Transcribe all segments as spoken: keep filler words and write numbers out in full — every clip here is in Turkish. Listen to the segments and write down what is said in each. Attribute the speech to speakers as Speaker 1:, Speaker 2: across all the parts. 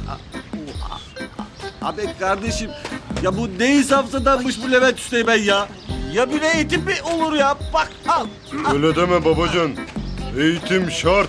Speaker 1: Abi kardeşim ya bu ne insafsızdanmış bu Levent Üsteğmen ya. Ya bir eğitim mi olur ya? Bak al.
Speaker 2: Öyle deme babacan. Eğitim şart.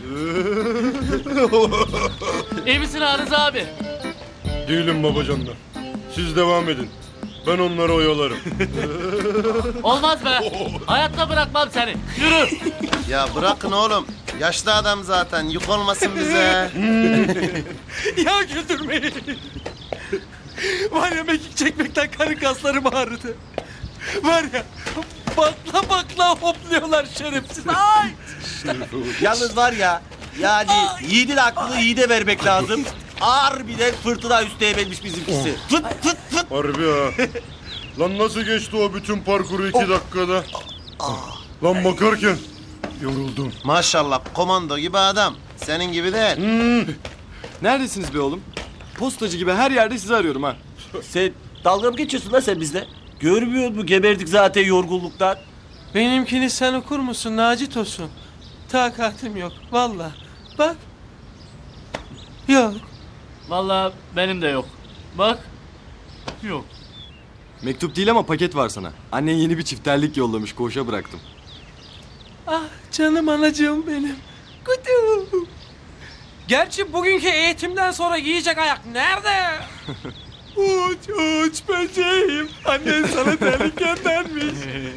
Speaker 3: İyi misin Arız abi?
Speaker 2: Değilim babacanlar. Siz devam edin. Ben onları oyalarım.
Speaker 3: Olmaz be. Hayatta bırakmam seni. Yürü.
Speaker 4: Ya bırakın oğlum. Yaşlı adam zaten. Yük olmasın bize.
Speaker 5: Ya güldürmeyin. Var ya mekik çekmekten karın kaslarım ağrıdı. Var ya bakla bakla hopluyorlar şerefsiz. Ay!
Speaker 1: Yalnız var ya yani yiğidin aklını yiğide vermek lazım. Ağır bir de fırtına Üsteğmen'miş bizimkisi. Fıt fıt fıt.
Speaker 2: Harbi ha. Lan nasıl geçti o bütün parkuru iki dakikada? Lan bakarken yoruldum.
Speaker 4: Maşallah komando gibi adam. Senin gibi değil.
Speaker 6: Neredesiniz be oğlum? Postacı gibi her yerde sizi arıyorum ha.
Speaker 1: Sen dalga mı geçiyorsun lan sen bizle? Görmüyor musun? Geberdik zaten yorgunluktan.
Speaker 5: Benimkini sen okur musun Naci Tosun? Takatim yok vallahi. Bak. Yok.
Speaker 3: Vallahi benim de yok. Bak. Yok.
Speaker 6: Mektup değil ama paket var sana. Annen yeni bir çifterlik yollamış, koğuşa bıraktım.
Speaker 5: Ah canım anacığım benim. Kutu. Gerçi bugünkü eğitimden sonra giyecek ayak nerede? Uç uç böceğim. Annen sana terlik göndermiş.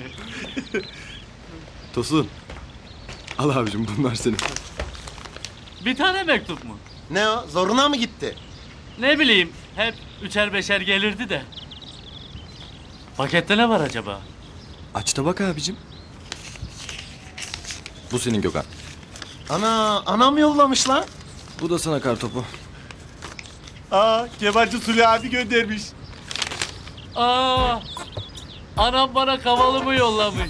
Speaker 6: Tosun. Al abicim, bunlar senin.
Speaker 3: Bir tane mektup mu?
Speaker 4: Ne o? Zoruna mı gitti?
Speaker 3: Ne bileyim. Hep üçer beşer gelirdi de. Pakette ne var acaba?
Speaker 6: Aç da bak abicim. Bu senin Gökhan.
Speaker 4: Ana, anam yollamış lan.
Speaker 6: Bu da sana kartopu.
Speaker 1: Aa Kemalci Suli abi göndermiş.
Speaker 3: Aa, anam bana kavalımı yollamış.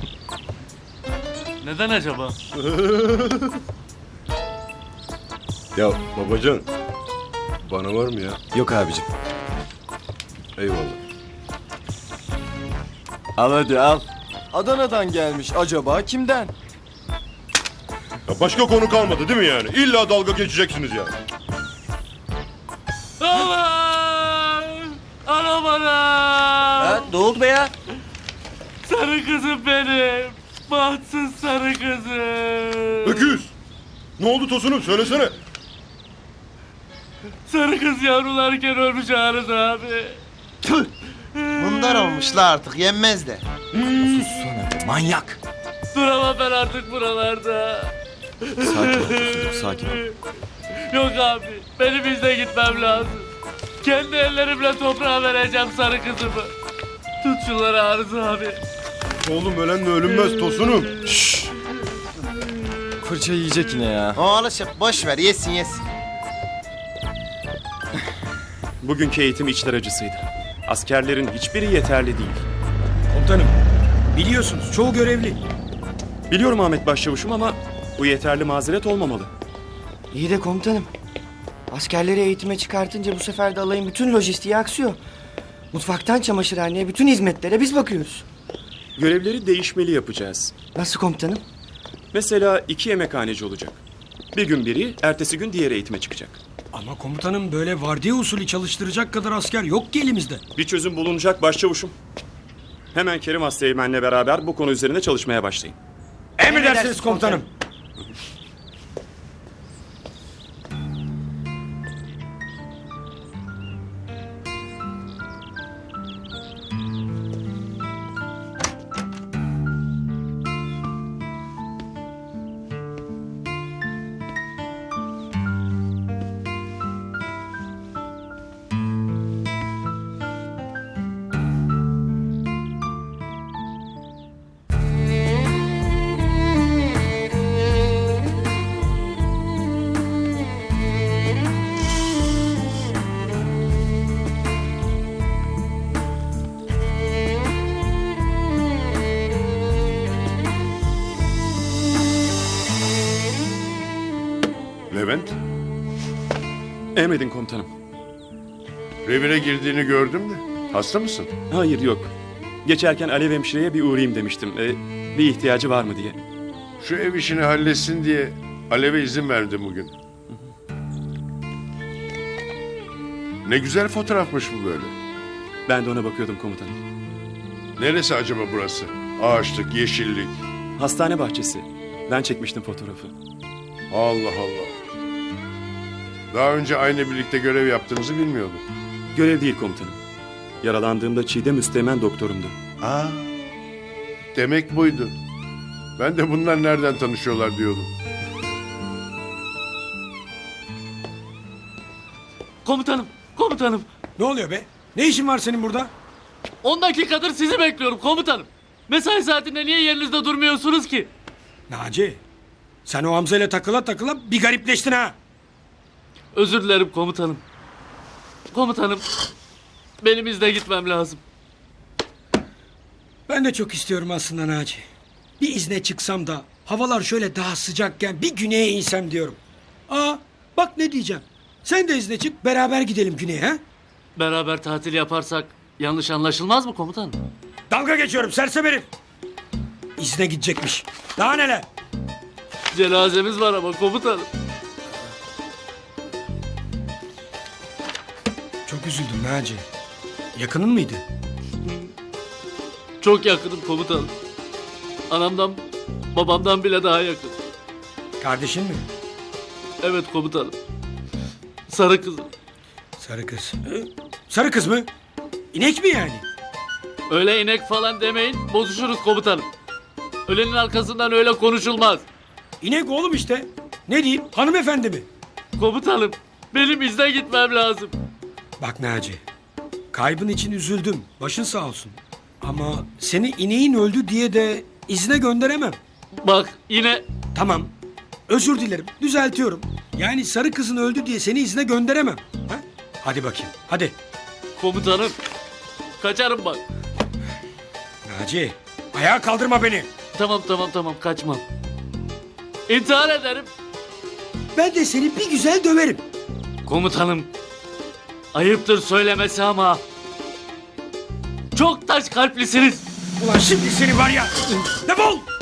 Speaker 3: Neden acaba?
Speaker 2: Ya babacan. Bana var mı ya?
Speaker 6: Yok abicim.
Speaker 2: Eyvallah.
Speaker 6: Al hadi al. Adana'dan gelmiş, acaba kimden?
Speaker 2: Ya başka konu kalmadı değil mi yani? İlla dalga geçeceksiniz yani.
Speaker 3: Aman! Anam anam!
Speaker 1: Ha, ne oldu be ya?
Speaker 3: Sarı kızım benim. Bahtsız sarı kızım.
Speaker 2: Öküz. Ne oldu Tosun'um söylesene.
Speaker 3: Sarı kız yavrularken ölmüş Arız abi.
Speaker 4: Tüh. Bunlar olmuş la artık. Yenmez de.
Speaker 6: Sussana, manyak.
Speaker 3: Duramam ben artık buralarda.
Speaker 6: Sakin ol Tosun'cum, sakin ol.
Speaker 3: Yok abi, benim bizde gitmem lazım. Kendi ellerimle toprağa vereceğim sarı kızımı. Tut şunları Arız abi.
Speaker 2: Oğlum ölenle ölünmez Tosun'um.
Speaker 6: Şşş. Fırça yiyecek yine ya.
Speaker 4: O alışık. Boş ver. Yesin yesin.
Speaker 7: Bugünkü eğitim içler acısıydı. Askerlerin hiçbiri yeterli değil.
Speaker 8: Komutanım, biliyorsunuz çoğu görevli.
Speaker 7: Biliyorum Ahmet Başçavuşum ama bu yeterli mazeret olmamalı.
Speaker 9: İyi de komutanım. Askerleri eğitime çıkartınca bu sefer de alayın bütün lojistiği aksıyor. Mutfaktan çamaşırhaneye bütün hizmetlere biz bakıyoruz.
Speaker 7: Görevleri değişmeli yapacağız.
Speaker 9: Nasıl komutanım?
Speaker 7: Mesela iki yemekhaneci olacak. Bir gün biri, ertesi gün diğer eğitime çıkacak.
Speaker 8: Ama komutanım böyle vardiya usulü çalıştıracak kadar asker yok ki elimizde.
Speaker 7: Bir çözüm bulunacak Başçavuşum. Hemen Kerim Asteğmen'le beraber bu konu üzerinde çalışmaya başlayın.
Speaker 8: Emredersiniz komutanım.
Speaker 2: Levent,
Speaker 7: Emredin komutanım.
Speaker 2: revire girdiğini gördüm de. Hasta mısın?
Speaker 7: Hayır yok. Geçerken Alev hemşireye bir uğrayayım demiştim. Ee, bir ihtiyacı var mı diye.
Speaker 2: Şu ev işini halletsin diye Alev'e izin verdim bugün. Ne güzel fotoğrafmış bu böyle.
Speaker 7: Ben de ona bakıyordum komutanım.
Speaker 2: Neresi acaba burası? Ağaçlık, yeşillik.
Speaker 7: Hastane bahçesi. Ben çekmiştim fotoğrafı.
Speaker 2: Allah Allah. Daha önce aynı birlikte görev yaptığınızı bilmiyordum.
Speaker 7: Görev değil komutanım. Yaralandığımda Çiğdem Üsteğmen doktorumdu.
Speaker 2: Aa, demek buydu. Ben de bunlar nereden tanışıyorlar diyordum.
Speaker 3: Komutanım, komutanım.
Speaker 8: Ne oluyor be? Ne işin var senin burada?
Speaker 3: on dakikadır sizi bekliyorum komutanım. Mesai saatinde niye yerinizde durmuyorsunuz ki?
Speaker 8: Naci, sen o Hamza ile takıla takıla bir garipleştin ha.
Speaker 3: Özür dilerim komutanım. Komutanım, benim izne gitmem lazım.
Speaker 8: Ben de çok istiyorum aslında Naci. Bir izne çıksam da havalar şöyle daha sıcakken bir güneye insem diyorum. Aa, bak ne diyeceğim. Sen de izne çık, beraber gidelim güneye ha?
Speaker 3: Beraber tatil yaparsak yanlış anlaşılmaz mı komutanım?
Speaker 8: Dalga geçiyorum sersem herif. İzne gidecekmiş. Daha neler?
Speaker 3: Cenazemiz var ama komutanım.
Speaker 8: Çok üzüldüm Naci. Yakının mıydı?
Speaker 3: Çok yakınım komutanım. Anamdan, babamdan bile daha yakın.
Speaker 8: Kardeşin mi?
Speaker 3: Evet komutanım. Sarı kızım.
Speaker 8: Sarı kız. Ee, sarı kız mı? İnek mi yani?
Speaker 3: Öyle inek falan demeyin, bozuşuruz komutanım. Ölenin arkasından öyle konuşulmaz.
Speaker 8: İnek oğlum işte. Ne diyeyim? Hanımefendi mi?
Speaker 3: Komutanım, benim izne gitmem lazım.
Speaker 8: Bak Naci. Kaybın için üzüldüm. Başın sağ olsun. Ama seni ineğin öldü diye de izne gönderemem.
Speaker 3: Bak yine
Speaker 8: Tamam. Özür dilerim. Düzeltiyorum. Yani sarı kızın öldü diye seni izne gönderemem. Ha? Hadi bakayım. Hadi.
Speaker 3: komutanım. Kaçarım bak.
Speaker 8: Naci. Ayağa kaldırma beni.
Speaker 3: Tamam tamam tamam kaçmam. İntihar ederim.
Speaker 8: Ben de seni bir güzel döverim.
Speaker 3: Komutanım. Ayıptır söylemesi ama. Çok taş kalplisiniz.
Speaker 8: Ulan şimdi seni var ya. Defol.